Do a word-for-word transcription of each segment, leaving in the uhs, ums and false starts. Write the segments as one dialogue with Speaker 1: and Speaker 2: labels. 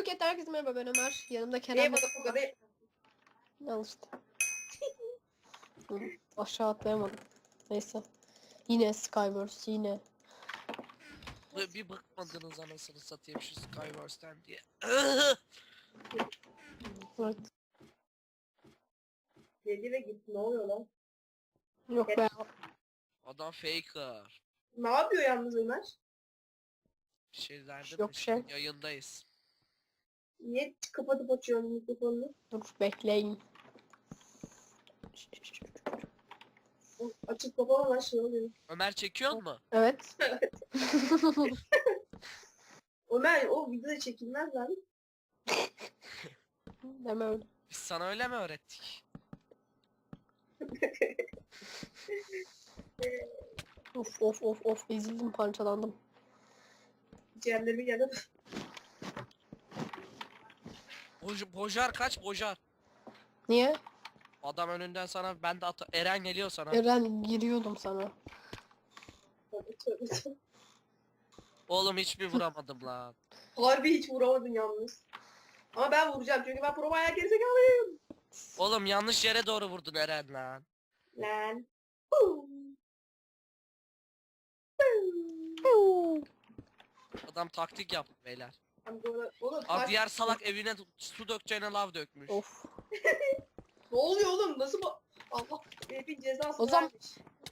Speaker 1: Bloket herkese merhaba, ben Ömer. Yanımda Kerem.
Speaker 2: Neye bana bu kadar?
Speaker 1: Al işte. Hı, aşağı atlayamadım. Neyse. Yine Skywars yine.
Speaker 3: Böyle bir bakmadınız anasını satayım şu Skywars'tan diye.
Speaker 1: Evet.
Speaker 2: Dedi ve gitti. Ne oluyor lan?
Speaker 1: Yok be.
Speaker 3: Adam faker.
Speaker 2: Ne yapıyor yalnız Ömer?
Speaker 3: Bir şey derdim
Speaker 1: Yok
Speaker 3: de
Speaker 1: şey.
Speaker 3: şimdi yayındayız.
Speaker 2: Niye kapatıp açıyorsun mikrofonunu?
Speaker 1: Dur bekleyin.
Speaker 2: O açıp kapamadan şey oluyor.
Speaker 3: Ömer çekiyor mu?
Speaker 1: Evet.
Speaker 2: Ömer o videoda çekilmez lan.
Speaker 1: Deme öyle.
Speaker 3: Biz sana öyle mi öğrettik?
Speaker 1: Of of of of ezildim, parçalandım.
Speaker 2: Ciğerlerimi yanıp.
Speaker 3: Boj Bojar kaç Bojar?
Speaker 1: Niye?
Speaker 3: Adam önünden sana ben de ata Eren geliyor sana.
Speaker 1: Eren giriyordum sana.
Speaker 3: Oğlum hiçbir vuramadım lan.
Speaker 2: Harbi hiç vuramadın yalnız. Ama ben vuracağım çünkü ben pro bayağı gerizekalıyım.
Speaker 3: Oğlum yanlış yere doğru vurdun Eren lan.
Speaker 2: Lan.
Speaker 3: Adam taktik yaptı beyler.
Speaker 2: Ben bu arada- Oğlum
Speaker 3: Abi
Speaker 2: taş-
Speaker 3: diğer salak evine su dökeceğine lav dökmüş.
Speaker 1: Of.
Speaker 2: Ne oluyor oğlum? Nasıl bu? Allah herifin cezası
Speaker 1: O zaman-
Speaker 2: vermiş.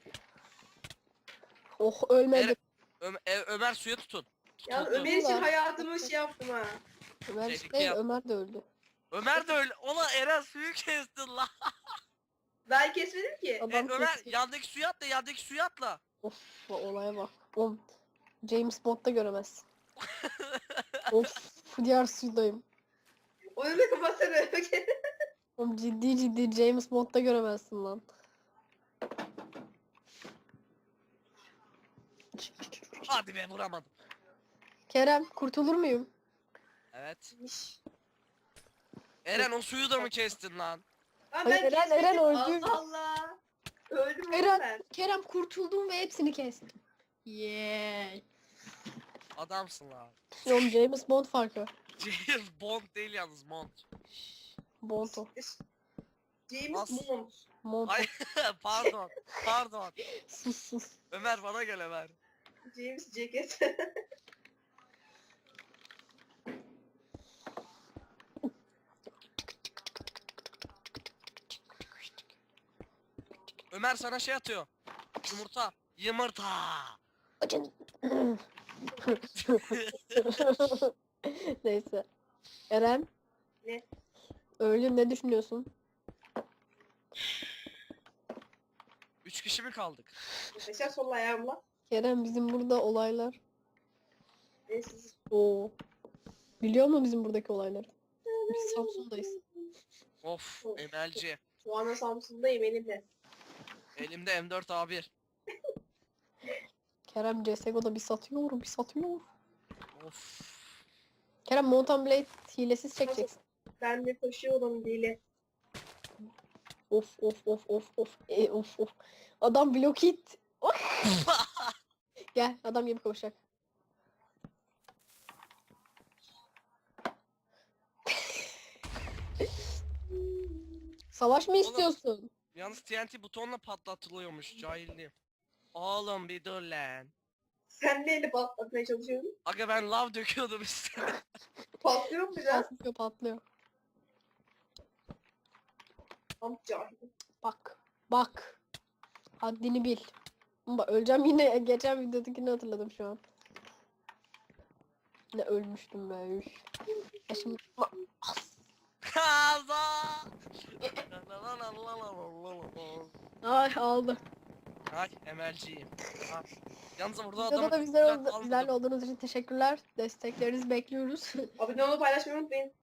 Speaker 1: Oh ölmedim.
Speaker 3: Ö Ö- Ömer suya tutun.
Speaker 2: Yani
Speaker 3: Tutuldu.
Speaker 2: Ömer için
Speaker 1: Ulan.
Speaker 2: hayatımı şey yaptım ha.
Speaker 1: Ömer
Speaker 3: Tehlike
Speaker 1: işte
Speaker 3: yap-
Speaker 1: Ömer de öldü.
Speaker 3: Ömer de öyle. Ola Eren suyu kestin lan.
Speaker 2: Ben kesmedim ki.
Speaker 1: Adam
Speaker 3: E, Ömer
Speaker 1: kesti.
Speaker 3: yandaki suya atla yandaki suya atla.
Speaker 1: Of bu olaya bak. Oğlum James Bond'da göremezsin. Of diğer sudayım.
Speaker 2: Onu da kapatsana.
Speaker 1: Oğlum ciddi ciddi James Bond'da göremezsin lan.
Speaker 3: Hadi be vuramadım.
Speaker 1: Kerem kurtulur muyum?
Speaker 3: Evet. Eren o suyu da mı kestin lan?
Speaker 2: Lan
Speaker 1: Hayır,
Speaker 2: ben
Speaker 1: Eren-
Speaker 2: kesmedim.
Speaker 1: Eren öldü.
Speaker 2: Allah Allah. Öldüm oğlum
Speaker 1: Eren-
Speaker 2: ben.
Speaker 1: Kerem kurtuldum ve hepsini kestim. Yeah.
Speaker 3: Adamsın lan.
Speaker 1: Oğlum James Bond farkı.
Speaker 3: James Bond değil yalnız Bond.
Speaker 1: Bond o.
Speaker 2: James
Speaker 3: As-
Speaker 2: Bond.
Speaker 1: Bond o.
Speaker 3: Ay pardon. Pardon.
Speaker 1: Sus sus.
Speaker 3: Ömer bana gel Ömer.
Speaker 2: James Jacket.
Speaker 3: Ömer sana şey atıyor. Yumurta. Yumurta.
Speaker 1: Acın. Neyse. Eren.
Speaker 2: Ne?
Speaker 1: Öldün, ne düşünüyorsun?
Speaker 3: Üç kişi mi kaldık?
Speaker 2: Mesela sol ayağımla.
Speaker 1: Kerem bizim burada olaylar.
Speaker 2: Neyse.
Speaker 1: Oo. Biliyor musun bizim buradaki olayları? Biz Samsun'dayız.
Speaker 3: Of M L C.
Speaker 2: Şu anda Samsun'dayım elimle.
Speaker 3: Elimde M dört A bir.
Speaker 1: Kerem C S G O'da bir satıyor, bir satıyor.
Speaker 3: Of.
Speaker 1: Kerem Mountain Blade hilesiz çekeceksin.
Speaker 2: Ben de koşuyorum dili.
Speaker 1: Of of of of of e, of of. Adam blok hit. Gel adam gibi koşacak. Savaş mı
Speaker 3: Oğlum.
Speaker 1: istiyorsun?
Speaker 3: Yalnız T N T butonla patlatılıyormuş cahilliğim. Oğlum bir dur lan.
Speaker 2: Sen neyle patlatmaya çalışıyorsun?
Speaker 3: Aga ben lav döküyordum üstüne.
Speaker 2: Patlıyor mu biraz?
Speaker 1: Patlıyor patlıyor.
Speaker 2: Tam cahil.
Speaker 1: Bak. Bak. Haddini bil. Bak öleceğim yine. Geçen videodakini hatırladım şu an. Ne ölmüştüm be. Üf. Ya şimdi...
Speaker 3: Kaza.
Speaker 1: Ay aldı.
Speaker 3: Ay M L C'yim. Ha. Yalnız burada
Speaker 1: Videoda
Speaker 3: adamı
Speaker 1: da bizler
Speaker 3: kucak
Speaker 1: oldu,
Speaker 3: almadım.
Speaker 1: bizlerle olduğunuz için teşekkürler. Desteklerinizi bekliyoruz.
Speaker 2: Abone olmayı paylaşmayı unutmayın.